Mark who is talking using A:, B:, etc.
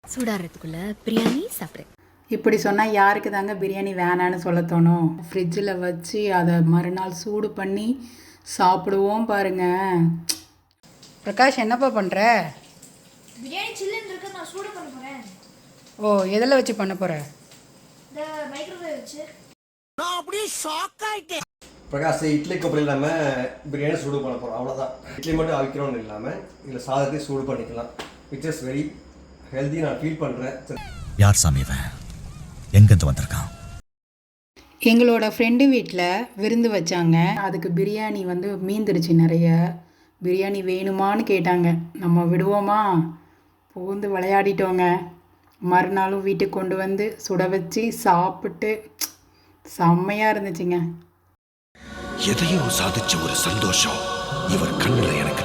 A: சூடாகிறதுக்குள்ள பிரியாணி சாப்பிட்றேன்.
B: இப்படி சொன்னால் யாருக்கு தாங்க பிரியாணி வேணான்னு சொல்ல தோணும்? ஃப்ரிட்ஜில் வச்சு அதை மறுநாள் சூடு பண்ணி சாப்பிடுவோம் பாருங்க. பிரகாஷ் என்னப்பா பண்ணுற?
C: பிரியாணி சில்லுன்னு இருக்கு, நான் சூடு பண்ண போறேன்.
B: ஓ, எதில் வச்சு பண்ண போகிற?
C: இந்த மைக்ரோவேவ் வச்சு.
D: நான் அப்படியே ஷாக் ஆயிட்டேன்.
E: பிரகாஷ் இட்லி கொப்பரை இல்லாமல் பிரியாணி சூடு பண்ண போகிறோம், அவ்வளோதான். இட்லி மட்டும் அவிக்கிறோன்னு இல்லாமல் இதில் சாதத்தையும் சூடு பண்ணிக்கலாம், விச் இஸ் வெரி ஹெல்தி. நான் ஃபீல் பண்ணுறேன்.
F: யார் சாமி இவன்? எங்கேருந்து வந்திருக்கான்?
B: எங்களோட ஃப்ரெண்டு வீட்டில் விருந்து வச்சாங்க. அதுக்கு பிரியாணி மீந்துருச்சு நிறைய. பிரியாணி வேணுமான்னு கேட்டாங்க. நம்ம விடுவோமா? புகுந்து விளையாடிட்டோங்க. மறுநாளும் வீட்டுக்கு கொண்டு வந்து சுட வச்சு சாப்பிட்டு செம்மையாக இருந்துச்சுங்க.
D: எதையோ சாதிச்ச ஒரு சந்தோஷம் இவர் கண்ணில் எனக்கு